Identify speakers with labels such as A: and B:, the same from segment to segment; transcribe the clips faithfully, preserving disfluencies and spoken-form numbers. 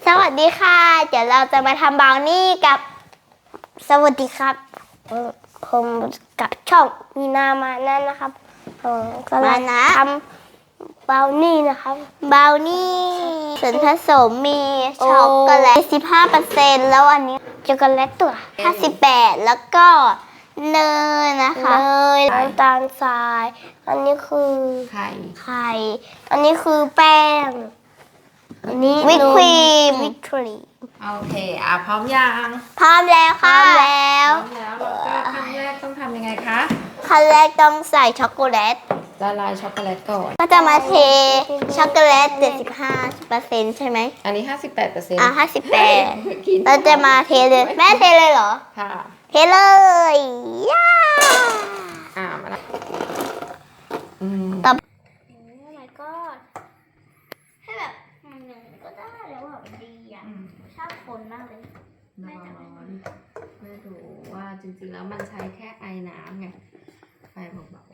A: สวัสดีค่ะเดี๋ยวเราจะมาทำบราวนี่กับสวัสดีครับผมกับช่องมีนามานั่นนะครับก็มานะทำบราวนี่นะครับบราวนี่ส่วนผสมมีช็อกโกแลต สิบห้าเปอร์เซ็นต์ แล้วอันนี้ช็อกโกแลตตัวห้าสิบแปดแล้วก็เนยนะคะเนยน้ำตาลทรายอันนี้คือไข่ไข่อันนี้คือแป้งอันนี้วิปครีมวิปครีม
B: โอเคอ่ะพร้อมยัง
A: พร้อมแล้วค่ะพร้อมแล้ว
B: พร้อมแล้วเราก็ขั้นแรกต้องทำยังไงคะ
A: ขั้นแรกต้องใส่ช็อกโกแลต
B: ละลายช็อกโกแลตก่อน
A: ก็จะมาเทช็อกโกแลต เจ็ดสิบห้าเปอร์เซ็นต์ ใช่ไหม
B: อันนี้ ห้าสิบแปดเปอร์เซ็นต์
A: อ่ะห้าสิบแปดเราจะมาเทเลยแม่เทเลยเหรอ
B: ค่ะ
A: เทเลยย่า
B: อ่ามาแล้วอืม
A: ต่อโอ้ my god ให้แบบมันก็ได้แล้วอ่ะมันดีอ่ะชอบคนมากเลย
B: ร้อนไม่รู้ว่าจริงๆแล้วมันใช้แค่ไอน้ำไงไฟเบา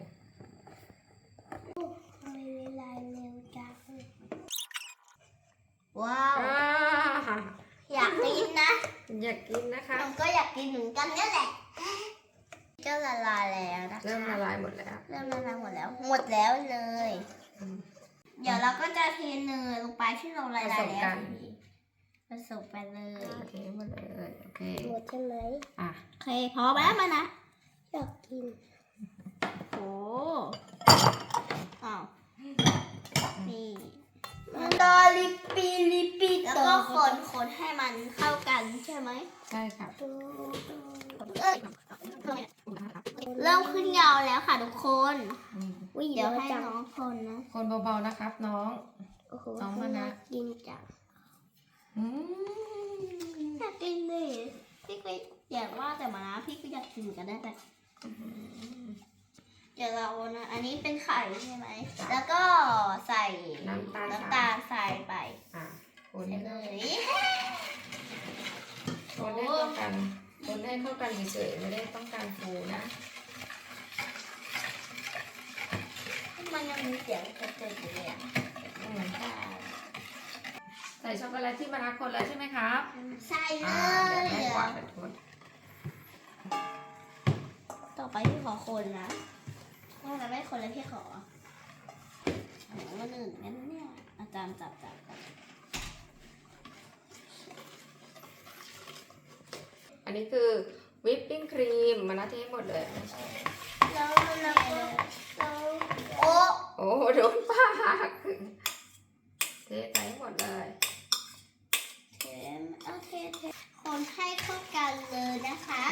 A: ๆไม่เวลาเร็วจังว้าวอยากกินนะ
B: อยากกินนะคะ
A: ผมก็อยากกินเหมือนกันนี่แหละก็ละลายแล้วนะคะ
B: เริ่มละลายหมดแล้ว
A: เริ่มละลายหมดแล้วหมดแล้วเลยเดี๋ยวเราก็จะเทเนยลงไปที่เราละลายแล้วผสมไปเลย
B: โอเคหมดเลยโอเค
A: หมดใช่ไหม
B: อ่ะ
A: โอเคพอแล้วมานะอยากกินโอ้อ้าวนี่ตอลิปีลิปีแล้วก็คนคนให้มันเข้ากันใช่ไหม
B: ใช่ค่ะ
A: เริ่มขึ้นเงาแล้วค่ะทุกคนเดี๋ยวให้น้องคนนะ
B: คนเบาๆนะครับน้องน้องมานะ
A: กินจังอยากกินเลยพี่ก็อยากว่าแต่มานะพี่ก็อยากกินกันได้แต่เดี๋ยวเรานะอันนี้เป็นไข่ใช่ไหมแล้วก็ใส่
B: น้ำตาล
A: น้ำตาลใส่ไป
B: อ่ะคนให้
A: เลย
B: คนให้เข้ากันคนให้เข้ากันเฉยๆไม่ได้ต้องการฟูนะ
A: มันยังมีเสียงกระเจิดอยู่เลยอ่ะ
B: ใส่ช็อกโกแลตที่มานะคนแล้วใช่ไหมครับ
A: ใส่เลย
B: เดี๋ยวแม่กวาดไปทุน
A: ต่อไปพี่ขอคนนะว่าจะไม่คนแล้วพี่ขอมันอื่นงั้นเนี่ยอาจารย์จับจับ
B: อันนี้คือวิปปิ้งครีมมานะเทหมดเลย
A: แล้วแล้วโอ้
B: โอ้โดนปากเทใส่หมดเลย
A: เทโอเคเทคนให้เข้ากันเลยนะคะ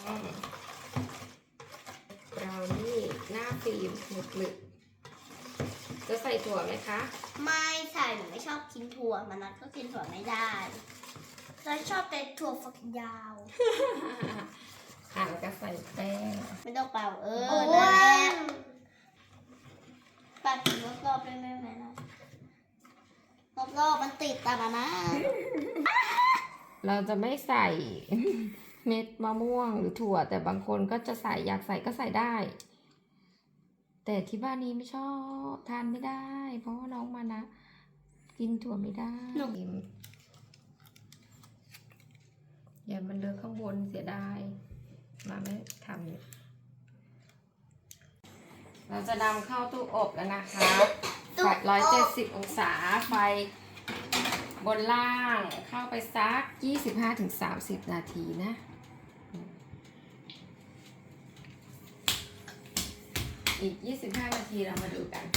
B: เรานี่หน้าฟิล์มหนึบหนึบจะใส่ถั่วไหมคะ
A: ไม่ใส่หนูไม่ชอบกินถั่วมันนัดก็กินถั่วไม่ได้เราชอบเป็นถั่วฝักยาว
B: อ่ะแล้วก็ใส่แป้ง
A: ไม่ต้องเป่าเออนั่นแหละปัดรอบๆได้ไหมแม่นะรอบๆมันติดตานะ
B: เราจะไม่ใส่เม็ดมะม่วงหรือถั่วแต่บางคนก็จะใส่อยากใส่ก็ใส่ได้แต่ที่บ้านนี้ไม่ชอบทานไม่ได้เพราะว่าน้องมานะกินถั่วไม่ได้อย่ามันเลอะข้างบนเสียดายมาไม่ทำเราจะนำเข้าตู้อบแล้วนะคะร้อยเจ็ดสิบองศาไฟบนล่างเข้าไปสัก ยี่สิบห้าถึงสามสิบ นาทีนะอีก ยี่สิบห้า นาทีเรามาดูกัน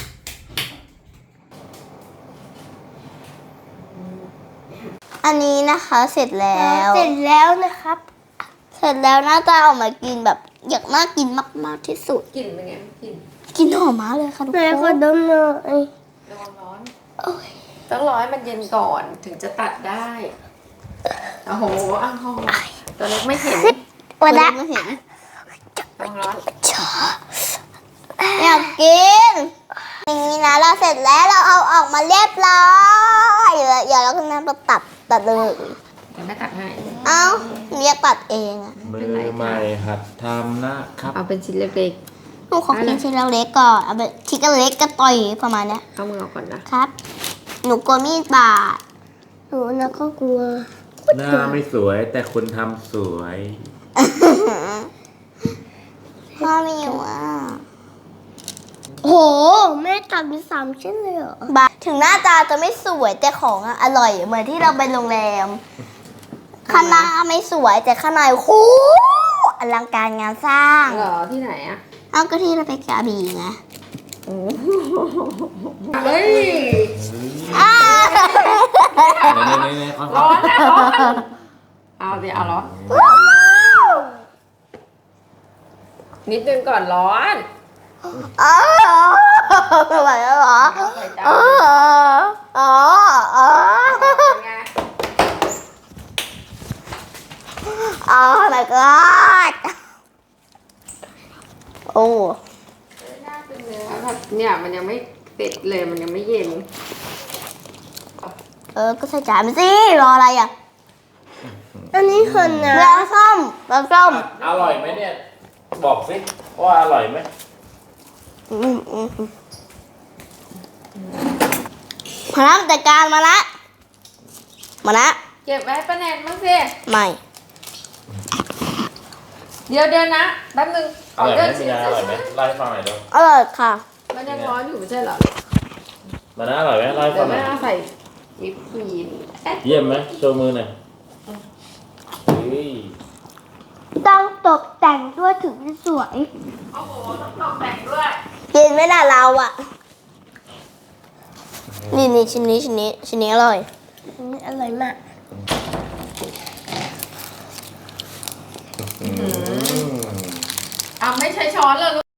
A: อันนี้นะคะเสร็จแล้วเสร็จแล้วนะครับเสร็จแล้วหน้าตาออกมากินแบบอยากน่ากินมากๆที่สุด
B: กลิ่นเป็นไงกลิ่น
A: กลิ่นหอมมากเลยค่ะทุกคนแล้วก็ดมเลย
B: ระวังร้อนต้องรอให้มันเย็นก่อนถึงจะตัดได้โอ้โหอ้าวตัวเล็กไม่เห็น
A: วันละไม่เห็น
B: ระวังร้อน
A: อยากกินอย่างนี้นะเราเสร็จแล้วเราเอาออกมาเรียบร้อยอย่าเราขึ้นน้ำเราตัดตัดเลย
B: เดี๋ยวแม่ตัดให้
A: เอ้าเรียกตัดเองอะ
C: มือใหม่หัดทำนะครับ
B: เอาเป็นชิ้นเล็ก
A: ๆหนูขอกินชิ้นเล็กก่อนเอาเป็นชิ้นเล็กก็ต่อยประมาณนี้
B: เอามือออกก่อนนะครับ
A: หนูกลัวมีดบาดหนูนะก็กลัว
C: หน้าไม่สวยแต่คุณทำสวย
A: พ่อมีว่าโหแม่ตัดเป็นสามชิ้นเลยเหรอบาถึงหน้าตาจะไม่สวยแต่ของอะอร่อยเหมือนที่เราไปโรงแรมข้างหน้าไม่สวยแต่ข้างในโอ้อลังการงานสร้าง
B: เหรอที่ไหนอะ
A: เอาก็ที่เราไปกระบี่ไง
B: เฮ้ย
A: อ้าว
C: นี่นี่นี่ค่อย
B: ร้อนนะร้อนเอาสิเอาร้อนนิดนึงก่อนร้อน
A: อ๋อไม่ไหวแล้วเหรอ
B: ใส่จาน
A: อ๋ออ๋ออ๋อ
B: เป็นไง
A: อ๋อ my god โอ้
B: น่าเป็นเนื้อแบบเนี่ยมันยังไม่เสร็จเลยมันยังไม่เย็น
A: เออ ก็ใส่จานไปสิ รออะไรอ่ะ อันนี้คือนะแล้วส้มแล้วส้ม
C: อร่อยไหมเนี่ย บอกสิว่าอร่อยไหม
A: อืมอืมอืมมาละจัดการมาละมาละ
B: เก็บไว้ให้ป้าแนนบ้างสิ
A: ไม่
B: เดี๋ยวเดี๋ยวนะแป๊บนึง
C: อร่อยไหม
B: เดิน
C: พี่นาอร่อยไหมเล่าให้ฟังหน่อยเดี๋ยว
A: อร่อยค่ะ
B: มันยังร้อนอยู่ไม่ใช่เหรอ
C: มานะอร่อยไหมเล่าให้
B: เดี๋
C: ฟั
B: ยว
C: งหน่
B: แม่
C: อย
B: เอาใส่วิปครีมเอ๊ะ
C: เยี่ยมไหมโชว์มือหน่อยเฮ้ย
A: ต้องตกแต่งด้วยถึงจะสวย
B: โอ้โหต้องตกแต่งด้วย
A: กินไหมล่ะเราอ่ะ นี่นี่ชิ้นนี้ชิ้นนี้ชิ้นนี้อร่อยชิ้นนี้อร่อยมาก
C: อืม
B: เอาไม่ใช้ช้อนเลย